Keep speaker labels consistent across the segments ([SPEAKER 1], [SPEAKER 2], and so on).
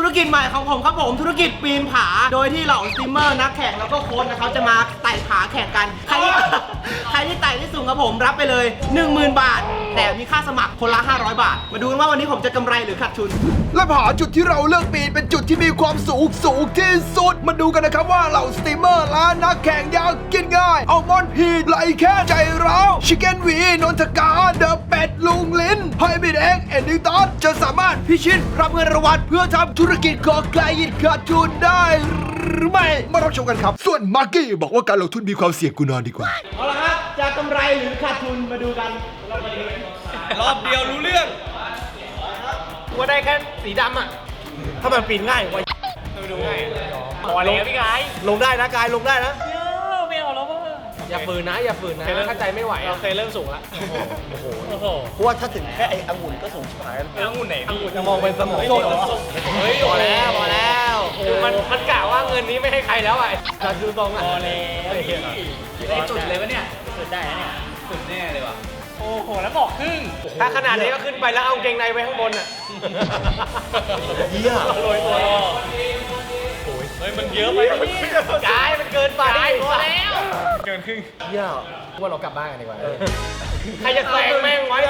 [SPEAKER 1] ธุรกิจใหม่ของผมครับผมธุรกิจปีนผาโดยที่เหล่าสตรีมเมอร์นักแข่งแล้วก็โค้ชนะครับจะมาไต่ผาแข่งกันใครที่ไต่ที่สูงครับผมรับไปเลย 10,000 บาทแต่มีค่าสมัครคนละ500 บาทมาดูกันว่าวันนี้ผมจะกำไรหรือขาดทุน
[SPEAKER 2] และผาจุดที่เราเลือกปีนเป็นจุดที่มีความสูงที่สุดมาดูกันนะครับว่าเหล่าสตรีมเมอร์และนักแข่งอยากกินง่ายเอามอนพีดไหลแค่ใจร้าวชิคเก้นวีนนทกาเดอะเป็ดลุงลิ้นไฮบิดเอ็กเอ็นดิตอนจะสามารถพิชิตรับเงินรางวัลเพื่อทำธุรกิจก่อไกลขาดทุนได้หรือไม่มารับชมกันครับส่วนมาร์กี้บอกว่าการลงทุนมีความเสี่ยงกูนอนดีกว่า
[SPEAKER 1] เอาละครับจะกำไรหรือขาดทุนมาดูกัน
[SPEAKER 3] รอบเดียวรู้เรื่อง
[SPEAKER 1] ว่าได้แค่สีดำอ่ะถ้ามันปีนง่ายว่า
[SPEAKER 3] ดูง่าย
[SPEAKER 1] พอแล้วพี่กายลงได้นะกายลงได้นะ
[SPEAKER 3] ไม่เอาแล้ว
[SPEAKER 1] อย่าฝืนนะถ้าใจไม่ไหว
[SPEAKER 3] เราเคยเริ่มสูงละโอ้โห
[SPEAKER 1] เพราะว่าถ้าถึงแค่ไอ้องุ่นก็สูงชิบหาย
[SPEAKER 3] องุ่นไหน
[SPEAKER 1] องุ่นจะมองเป็นสมองสด
[SPEAKER 3] เฮ้ยพอแล้วมันกะว่าเงินนี้ไม่ให้ใครแล้วอ่ะ
[SPEAKER 1] ดูตรงอ่ะ
[SPEAKER 3] พอแล้วได้จุดเลยวะเนี่ยจุดได้แล้วเนี่ยจุดแน่เลยว่ะโอ้โหแล้วบอกครึ่ง
[SPEAKER 1] ถ้าขนาดนี้ก็ขึ้นไปแล้วเอาเกงในไว้ข้างบนอ่ะ
[SPEAKER 3] เยี่ยมโรยตัวเฮ้ยมันเยอะไป
[SPEAKER 1] กายมันเกินไป
[SPEAKER 3] พอแล้วเกินครึ่ง
[SPEAKER 1] เยี่ยมว่าเรากลับบ้านกันดีกว่า
[SPEAKER 3] ใครจะแซงแม่งไว้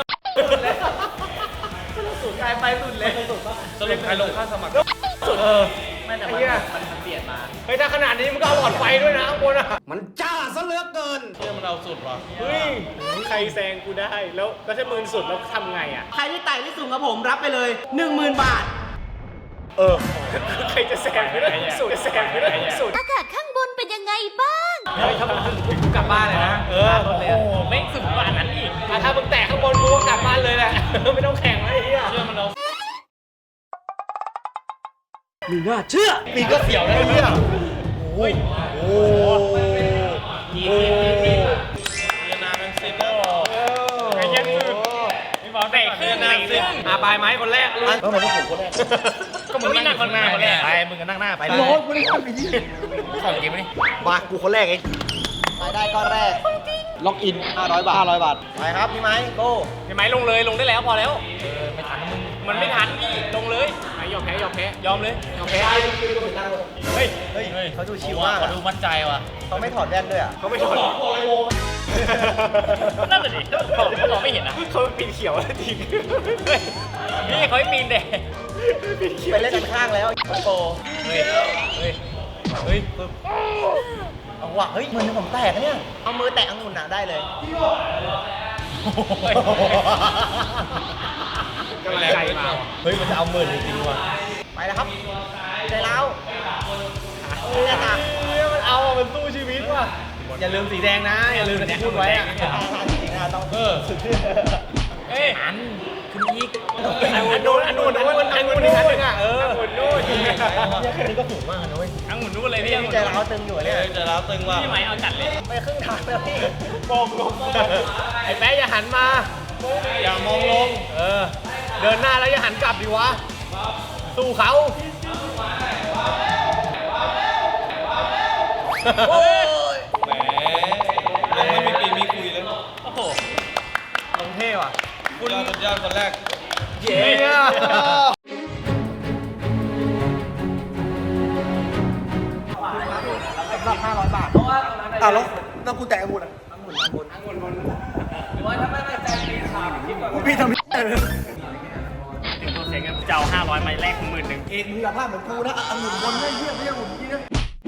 [SPEAKER 1] สุดกายไปสุดเลย
[SPEAKER 3] สรุปใครลงค่าสมัคร
[SPEAKER 1] สุดไม่แต่มันเปลี่ยนมา
[SPEAKER 3] เฮ้ยถ้าขนาดนี้มันก็เอาหลอดไฟด้วยนะข้างบนอ่ะ
[SPEAKER 1] มันจ้าซะเหลือเกิน
[SPEAKER 3] มันเอาสุดว่ะเฮ้ยใครแซงกูได้แล้วถ้ามึงสุดแล้วทำไงอ่ะ
[SPEAKER 1] ใครที่ไต่ที่สูงกับผมรับไปเลย 10,000 บาท
[SPEAKER 3] ใครจะแซงไม่ได้สุดจะแซงไม่ได้สุด
[SPEAKER 4] อากาศข้างบนเป็นยังไงบ้าง
[SPEAKER 3] เฮ้ยถ้ามึงถึงกูกลับบ้านเลยนะโอ้โหไม่สุดกว่านั้นอีกถ้ามึงแตะข้างบนกูก็กลับบ้านเลยแหละไม่ต้องแข่งไอ้เหี้ยเชื่อมันเรา
[SPEAKER 1] มีน่าเชื่อ
[SPEAKER 3] ปีก็เสียวได้เนี่ยโอ้ยโอ้ยีนาเป็นซินแล้วไอ้ยังสุดมีบอกเตะขึ้นปลายไม้คนแรก
[SPEAKER 1] ก็มันเป็นผมคนแรก
[SPEAKER 3] ก็มึงนั่งคนหน้าคนแรกไปมึงก็นั่งหน้าไป
[SPEAKER 1] ร้อนกูนี่ทำไปยี่
[SPEAKER 3] ของเกมนี่
[SPEAKER 1] มากูคนแรกเองรายได้ก้อนแรกล็อกอิน500 บาทไปครับพี่ไม้โก้
[SPEAKER 3] พี่ไม้ลงเลยลงได้แล้วพอแล้วไม่ทันมึงมันไม่ทันพี่ลงเลยยอมแพ้ยอมเลยยอมแพ้
[SPEAKER 1] เฮ้ยเขาดูชิวมาก
[SPEAKER 3] เขาดูมั่นใจว่ะ
[SPEAKER 1] เขาไม่ถอดแว่นด้วยอ่ะ
[SPEAKER 3] เขาไม่ถอดนั่นแหละดิเขามองไม่เห็นนะเขาปีนเขียวจริงนี่เขาไม่ปีนเด็ก
[SPEAKER 1] ไปเล่นกันข้างแล้วโอ้
[SPEAKER 3] เฮ้ย
[SPEAKER 1] เอาว่ะเฮ้ยมือผมแตกเนี่ยเอามือแตะองุ่นได้เลย
[SPEAKER 3] กำลังใจมา
[SPEAKER 1] เฮ้ยมันจะเอาหมื่นจริงๆว่ะไปแล้วครับใจแล้ว
[SPEAKER 3] เนี่ยค่ะมันเอามันสู้ชีวิตว่ะ
[SPEAKER 1] อย่าลืมสีแดงนะอย่าลืมที่พูดไว้อะจริงๆนะต้อง
[SPEAKER 3] อันคุณอีก
[SPEAKER 1] อันนู้นอีกอันนึงอ่ะ
[SPEAKER 3] อังุ่นนู่น
[SPEAKER 1] นี่ก็สูงมากนะเว้ย
[SPEAKER 3] อังุ่นนู่นเลยพี่
[SPEAKER 1] ใจร้าวตึงอยู่เนี่ย
[SPEAKER 3] ใจร้าวตึงว่ะพี่ไหมเอาจัดเลย
[SPEAKER 1] ไปครึ่งทางแล้วพี่
[SPEAKER 3] มองลงไอ้แป๊ะอย่าหันมาอย่ามองลงเดินหน้าแล้วอย่าหันกลับดิวะสู้เขา
[SPEAKER 1] โอ้ย
[SPEAKER 3] แหมยังไม่มีปีมีคุยเลยโอ้โห
[SPEAKER 1] ลงเท่ว่ะ
[SPEAKER 3] คุณสุดยอดคนแรก
[SPEAKER 1] เย้สำหรับ500 บาทแล้วกูแตะองุ่นว่าถ้าไม่มั่นใจปีนขาพี่ทำ
[SPEAKER 3] ตัวเสียเงินเจ้า500ไม้แรก10,000
[SPEAKER 1] เอกมึงอย่าพลาดเหมือนกูนะองุ่นบนไม่เยี่ยมองุ่นที่นะ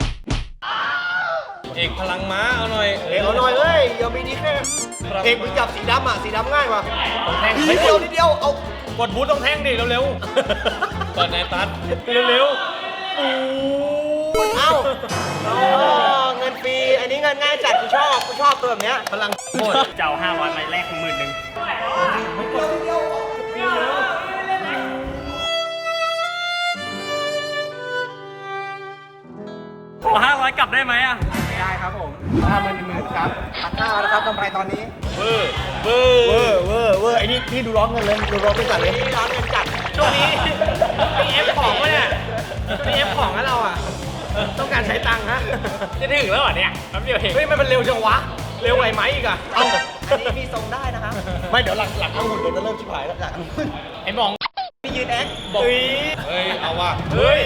[SPEAKER 3] เอกพลังม้าเอาหน่อย
[SPEAKER 1] เอกเอาหน่อยเฮ้ยอย่ามีดีแค่เอกมึงจับสีดำอ่ะสีดำง่ายว่ะนิดเดียวเอา
[SPEAKER 3] กดบูทต้องแท่งดิเร็วๆเปิดในตัดเร็วๆ
[SPEAKER 1] เอ้าเงินฟรีอันนี้เงินง่ายจัดกูชอบตัวแบบเนี้ยพลัง
[SPEAKER 3] โคตรเจ้า500ไม้แรก10,000500กลับได้ไหมอ่ะ
[SPEAKER 1] ได้ครับผม50,000ครับตัดหน้าแล้วครับกำไรตอนนี้
[SPEAKER 3] เวอ
[SPEAKER 1] ร์ไอ้นี่พี่ดูร้อนเงินเลยดูร้อนไม่จัดเลยร้อนเงินจัด
[SPEAKER 3] ช่วงนี้มีเอฟของวะเนี่ยมีเอฟของนะเราอ่ะต้องการใช้ตังค์ฮะจะถึงแล้วเหรอเนี่ยแป๊บเดียวเห็นเฮ้ยมันเร็วจังวะเร็วไหวไหมอีกอ่ะ
[SPEAKER 1] อันนี้มีทรงได้นะครับไม่เดี๋ยวหลังองุ่นเดี๋ยวจะเริ่มชิบหายแล้วหลัง
[SPEAKER 3] ไอ้มอง
[SPEAKER 1] พี่ยืนติดแอค
[SPEAKER 3] บอกเฮ้ยเอาว่ะเฮ้ย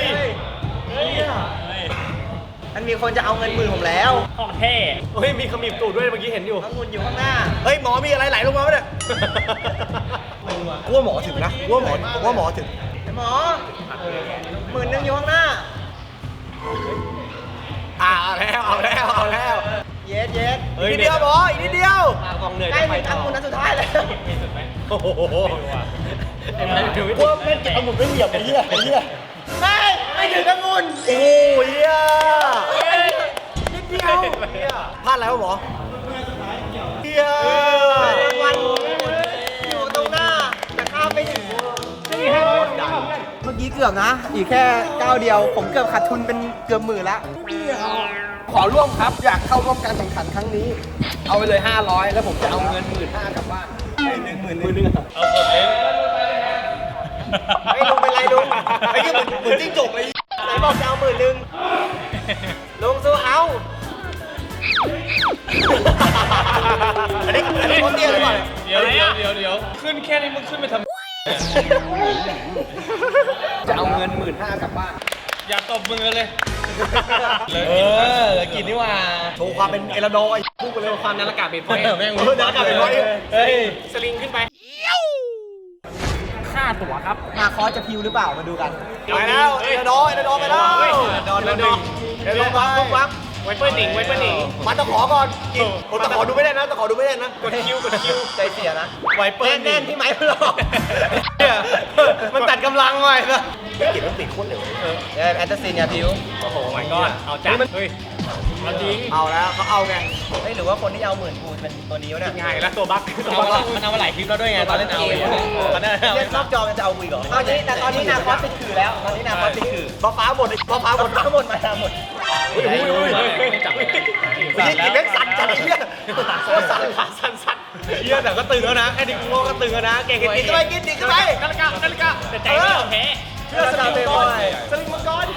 [SPEAKER 1] มันมีคนจะเอาเงินหมื่นผมแล้ว
[SPEAKER 3] ของแท้เฮ้ยมีขมิบตูดด้วยเมื่อกี้เห็นอยู่
[SPEAKER 1] องุ่นอยู่ข้างหน้า
[SPEAKER 2] เฮ้ยหมอมีอะไรไหลลงมาไหมเนี่ยกูว่าหมอถึงนะกูว่าหมอถึง
[SPEAKER 1] หมอ10,000อยู่ข้างหน้า
[SPEAKER 2] เอาแล้ว
[SPEAKER 1] เย็ดเย็ด
[SPEAKER 2] อีกนิดเดียวหมออีกนิดเดียว
[SPEAKER 3] กองเหนื่อย
[SPEAKER 1] ใกล้
[SPEAKER 3] ไป
[SPEAKER 1] ถึง
[SPEAKER 3] ต่อ
[SPEAKER 1] องุ่นนัดสุดท้ายแล้ว
[SPEAKER 2] โอ้โห
[SPEAKER 3] ไอ้แม่ถือวิ
[SPEAKER 2] กูว่าแม่งเก็บองุ่นไม่เหยียบไอ้เหี้ย
[SPEAKER 1] ไม่ถึงองุ่น
[SPEAKER 2] โอ้ยเหี้ย
[SPEAKER 1] นิดเดียว
[SPEAKER 2] พลาดแล้วหมอเหี้ย
[SPEAKER 1] รางวัลอยู่ตรงหน้าแต่ข้ามไม่ถึงเมื่อกี้เกือบนะ อีกแค่ก้าวเดียว ผมเกือบขาดทุนเป็นเกือบหมื่นละ
[SPEAKER 2] ขอร่วมครับอยากเข้าร่วมการแข่งขันครั้งนี้ เอาไปเลย500แล้วผมจะเอาเงิน15,000กลับบ้าน10,000
[SPEAKER 3] เอาสดเอง
[SPEAKER 1] ไอ้ลุงเป็นไรลุงไอ้ยี่เหมือนจิ้งจกเลยไหนบอกจะเอา10,000ลุงสู้เอา
[SPEAKER 2] อันนี้คนเตี้ยหรือเปล่า
[SPEAKER 3] เดี๋ยวขึ้นแค่นี้มึงขึ้นไปทำ
[SPEAKER 2] จะเอาเงิน15,000กลับบ้าน
[SPEAKER 3] อย่าตบมือเลย
[SPEAKER 2] กินนี่ว่าโชว์ความเป็นเอลโดไอ้พูดไปเลย
[SPEAKER 3] ความนันอากาศเปลี่ยนไปแม่ง
[SPEAKER 2] นักอากาศเป็นร้อย
[SPEAKER 3] เฮ้ยสลิงขึ้นไปค่าตั๋วครับ
[SPEAKER 1] มาคอสจะพิวหรือเปล่ามาดูกัน
[SPEAKER 2] ไปแล้วเอลโดไปแล้ว
[SPEAKER 3] โดนแล้วหนึ่ง
[SPEAKER 2] เอลโดไป
[SPEAKER 3] ไว้เปิ้ลหนิงไว้เปิ้ลหนิง
[SPEAKER 2] มันตะขอก่อนกินตะขอดูไม่ได้นะตะขอดูไม่ได้นะ
[SPEAKER 3] กดคิว
[SPEAKER 1] ใจเสียนะ
[SPEAKER 3] ไว้เปิ้ลหนิ
[SPEAKER 1] แน่
[SPEAKER 3] ง
[SPEAKER 1] นที่ไหมพลอก
[SPEAKER 3] เนี่ยมันตัดกำลังไว้นะ
[SPEAKER 2] กินมันติดโคตรเร็ว
[SPEAKER 1] แอนตาซินยาพิว
[SPEAKER 3] โอ้โหmy god เอาจัดเฮ้ยเอาจริง
[SPEAKER 2] เอาแล้วเขาเอาไง
[SPEAKER 1] เฮ้ยหรือว่าคนที่เอา10,000กูเป็นตัวนี้วะเนี่ย
[SPEAKER 3] ง่ายแล้วตัวบั๊กมันเอามาหลายคลิปแล้วด้วยไงตอนเล่นเอาเองตอนนั้น
[SPEAKER 1] เล่นรอบจอมันจะเอากูอีกเหรอเอาแต่ตอนนี้นาคอสติดขื่อแล้ว ตอนนี้นาคอสติดขื่อ
[SPEAKER 2] ฟ้าหมดฟ้าหมด
[SPEAKER 1] ทั้งหมดมาหมด
[SPEAKER 3] จับ
[SPEAKER 2] กินเล็กสั่นจัดเหี้ยโคตรสั่น
[SPEAKER 3] สั่นเฮียแต่ก็ตึงแล้วนะแค่นี้กูก็ตึงแล้วนะเก่ง
[SPEAKER 2] กินเข้าไปกินดิเข้าไป
[SPEAKER 3] นาฬิกาแต่ใจไม่ยอมแพ้
[SPEAKER 2] เชื่อสลิงมังกรสลิงมังกร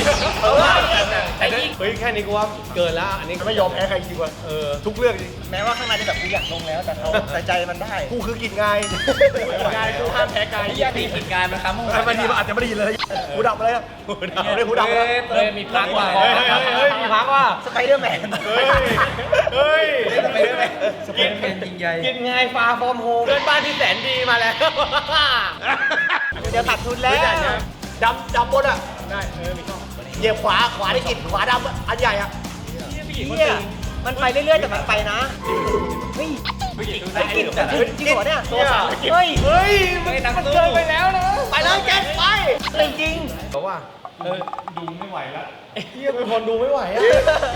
[SPEAKER 2] เฮ้ยแค่นี้กูว่าเกินแล้วอันนี้ไม่ยอมแพ้ใครจริงวะทุกเรื่องจริง
[SPEAKER 1] แม้ว่าข้างในจะแบบกูอยากลงแล้วแต่เขาแต่ใจมันได้
[SPEAKER 2] กูคือกินง่าย
[SPEAKER 3] กายกูห้ามแพ้กาย
[SPEAKER 1] ที่ตีหินกายมันค้ำ
[SPEAKER 2] บางทีมันอาจจะไม่ได้ยินเลยหูดับเลยหูดับเลย
[SPEAKER 3] เฮ้ยมีพักว่ะเฮ้ยมีพักว่ะ
[SPEAKER 1] สไปเดอร์แมน
[SPEAKER 3] เฮ้ย
[SPEAKER 1] สไปเดอร์แมนสไปเดอร์แมนยิงใหญ่
[SPEAKER 3] กินไงฟาฟอร์มโฮมเพื่อนบ้านที่แสนดีมาแล้ว
[SPEAKER 1] เดี๋ยวขาดทุนแล้ว
[SPEAKER 2] ดำบนอ่ะได้มีช่องเหยียบขวาได้กินขวาดำอันใหญ่อ่ะ
[SPEAKER 1] เนี่ยมันไปเรื่อยๆแต่มันไปนะเฮ้ยไม่กินแต่จริงเหรอเนี่ยเฮ้ย
[SPEAKER 2] เฮ้ย
[SPEAKER 3] มันเกินไปแล้วนะ
[SPEAKER 2] ไปเลยแกไป
[SPEAKER 1] จริง
[SPEAKER 2] บอกว่า
[SPEAKER 3] ดูไม่ไหวแล้ว
[SPEAKER 2] เฮียเป็นคนดูไม่ไหวอ่ะ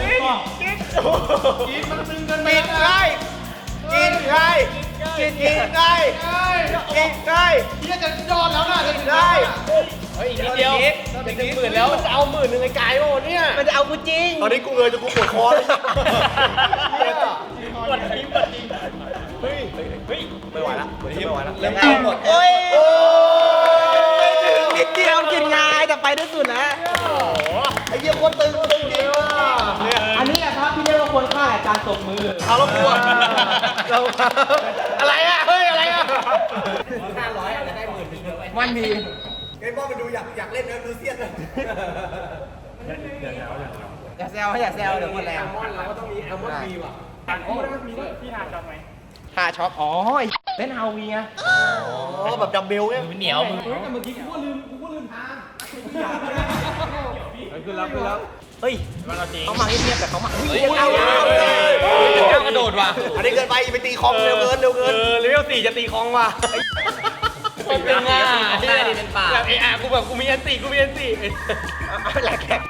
[SPEAKER 3] กินมันตึงกัน
[SPEAKER 2] กินไงกินไงกินไงกินไง
[SPEAKER 3] เฮียจะยอดแล้วนะจะ
[SPEAKER 2] กินไง
[SPEAKER 3] เฮ้ยอีกนิดเดียวจะถึง10,000แล้วจะเอา10,000ไอ้กายโอ้เนี่ย
[SPEAKER 1] มันจะเอากูจริง
[SPEAKER 2] ตอนนี้กูเงยจนกูปวดคอเลย
[SPEAKER 3] กดทีมเฮ้ย
[SPEAKER 2] ไม่ไหวละไม่ไหวละ
[SPEAKER 1] เริ่มเอาหมดโอ้ย
[SPEAKER 2] โอ้
[SPEAKER 1] นิดเดียวกินง่ายแต่ไปได้สุดแล้ว
[SPEAKER 2] ไอ้เหี้ยคนตึงจริงว่ะ
[SPEAKER 1] อันนี้ครับที่เรียกว่าควรค่าแก่การตบมือ
[SPEAKER 2] เอาแล้วกูเราอะไรอ่ะเฮ้ยอะไรอ่ะ
[SPEAKER 1] มันมี
[SPEAKER 2] เกมบอลมันดูอยากเล่นนะดูเซียนเลย
[SPEAKER 1] อย่าแซวอย่าแซวเดี๋ยวหมดแรง
[SPEAKER 2] เราก็ต้องมีแอลมอนบีว่ะ
[SPEAKER 1] หาช็อปอ๋อเล่นฮาวีไง
[SPEAKER 2] อ๋อแบบดัมเบลไง
[SPEAKER 3] เหนียวมึง
[SPEAKER 1] เฮ้ย
[SPEAKER 3] มันเอาจริง
[SPEAKER 1] เขามาเงียบๆแต่เขามา
[SPEAKER 3] เอากระโดดว่ะ
[SPEAKER 2] อันนี้เกินไปไปตีคอมเร็วเกินเร็วเกิน
[SPEAKER 3] เลเวล4จะตีคองว่ะเป็นง่าได้ดิเป็นป่าแบบกูแบบกูมีอันตีกูมีอันตี
[SPEAKER 1] แหลกแขก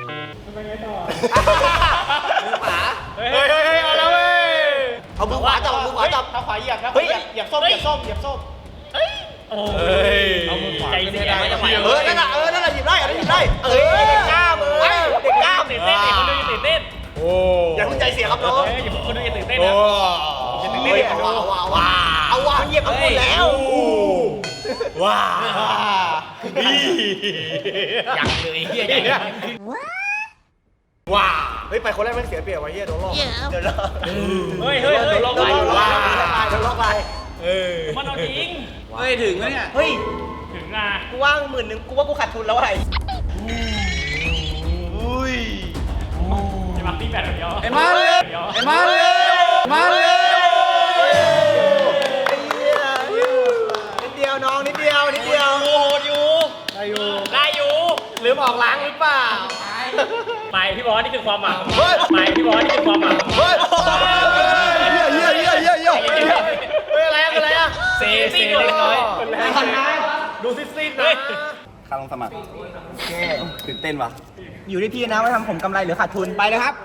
[SPEAKER 3] เฮ้ยเอาแล้วเว้ย
[SPEAKER 2] เอามือขวาจับมือขวาจับ
[SPEAKER 3] เท้าขวาเหยียบครับ
[SPEAKER 2] เฮ้ยเหยียบส้มเหยียบส้มเหยียบส้ม
[SPEAKER 3] โอ้ยเอามือขวาใจเสียไม่ไหว
[SPEAKER 2] นั่นแหละหยิบได้อันนี้หยิบได้เด็กกล้ามือเด็กกล้า
[SPEAKER 3] ตื่นเต้นคนดูตื่นเต้นโอ้
[SPEAKER 2] อย่าเพิ่งใจเสียครับน้อง
[SPEAKER 3] อย่าคนดูตื่นเต้น
[SPEAKER 2] โอ้
[SPEAKER 3] นะ
[SPEAKER 2] เอาว่ะเหยียบทั้งหมดแล้วว้า
[SPEAKER 3] ยังเลยเฮีย
[SPEAKER 2] ว้าเฮ้ยไปคนแรกไม่เสียเปรียบไว้เฮียโดนลอกเดี๋ยว
[SPEAKER 3] เฮ้ยลงไป
[SPEAKER 2] ว้าโดนลอกไป
[SPEAKER 3] มันเอาจริง
[SPEAKER 1] เฮ้ยถึงแล้วเนี่ยเฮ้ย
[SPEAKER 3] ถึงอ่ะ
[SPEAKER 1] กูว่าง10,000กูว่ากูขาดทุนแล้วไอ้อุ้ย
[SPEAKER 3] ไอ้มาตีแบตเดียว
[SPEAKER 2] ไอ้มาเลยไอ้มาเลยมาเลย
[SPEAKER 1] นิดเดียวน้องนิดเดียวนิดเดียว
[SPEAKER 3] โหดอยู่ได้อยู่ลืมออกล้างหรือเปล่าไปพี่บอสนี่คือความหวังไปพี่บอสนี่คือความหวัง
[SPEAKER 2] เฮ้ยเยี่ย
[SPEAKER 3] อะไรอะเซเล็กน้อย
[SPEAKER 1] ดูซิดๆนะ
[SPEAKER 5] ค่าลงสมัครตื่นเต้นว่ะ
[SPEAKER 1] อยู่ที่พี่นะว่าทำผมกำไรหรือขาดทุนไปเลยครับ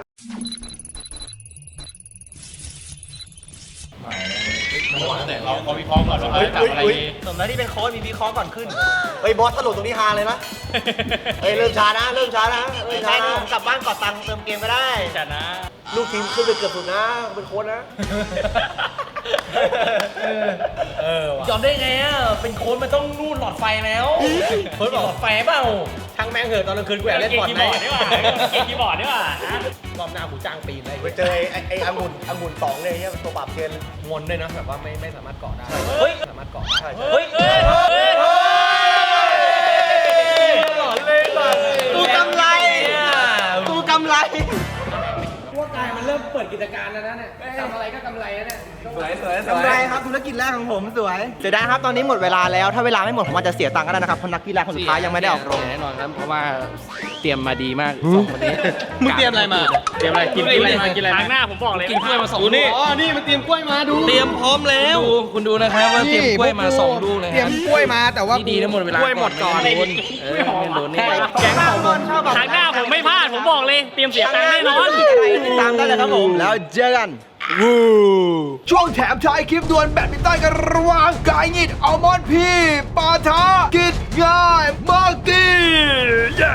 [SPEAKER 1] เราวิเคราะห์ก่อนว่าจับอะไรดีสมแล้วที่เป็นโค้ชมีวิเคราะห์ก่อนขึ้น
[SPEAKER 5] เฮ้ยบอสสรุปตรงนี้ฮาเลยนะเฮ้ยเริ่มช้านะเริ่มช้านะ
[SPEAKER 1] ใช่ผมกลับบ้านกอดตังค์เติมเกมก็ได้
[SPEAKER 3] จัดนะ
[SPEAKER 5] ลูกทีมขึ้นไปเกือบสุดนะเป็นโค้ชนะ
[SPEAKER 3] ยอมได้ไงอ่ะเป็นโค้ชมันต้องรูดหลอดไฟแล้วโค้ชบอกหลอดไฟเปล่า
[SPEAKER 1] ทั้งแม่งเหอะตอนกลางคืนกูแอบเล่นบอล
[SPEAKER 3] เกม
[SPEAKER 1] ไหม
[SPEAKER 3] คีย์บอร์ดดีกว่าเกมคีย์บอร์ดดีกว่า
[SPEAKER 1] รอบหน้ากูจ้างปีนเลย
[SPEAKER 5] ไปเจอไอ้องุ่น2เลยเนี่ยตัวปราบเชน
[SPEAKER 1] งนด้วยนะแบบว่าไม่สามารถเกาะได้
[SPEAKER 3] เฮ้ย
[SPEAKER 1] สามารถเกาะได้
[SPEAKER 3] เฮ้ยหลอนเลย
[SPEAKER 1] กูกำไรกูกำไร กำไรครับธุรกิจแรกของผมสวยเสียดายครับตอนนี้หมดเวลาแล้วถ้าเวลาไม่หมดผมอาจจะเสียตังค์ก็ได้นะครับเพราะนักกีฬาคนสุดท้ายยังไม่ได้ออกโรง
[SPEAKER 6] แน่นอนครับ เพราะว่าเตรียมมาดีมากสองคนนี้
[SPEAKER 1] มึงเตรียมอะไรมา
[SPEAKER 6] เตรียมอะไรกินกล้วยมากินอะไร
[SPEAKER 3] ทางหน้าผมบอกเลย
[SPEAKER 6] กินกล้วยมาสองลูก
[SPEAKER 1] อ๋อนี่มันเตรียมกล้วยมาดู
[SPEAKER 6] เตรียมพร้อมแล้วคุณดูนะครับว่าเตรียมกล้วยมาสองลูกเลย
[SPEAKER 2] เตรียมกล้วยมาแต่ว่า
[SPEAKER 6] นี่ดีทั้งหมดเวลากล้วยหมดก่อนโดนไม่โดนนี่
[SPEAKER 1] แก๊งของผมชอบแบบ
[SPEAKER 3] ทางหน้าผมไม่พลาดผมบอกเลยเตรียมเสียตังค์แน่นอน
[SPEAKER 1] ติดตามได้เลยครับผมแล้วเจอกัน
[SPEAKER 2] ช่วงแถมท้ายคลิปดวลแบดมินตันกันระหว่างกายงิดอัลมอนด์พีปาทากิดง่ายมาร์กี้เย้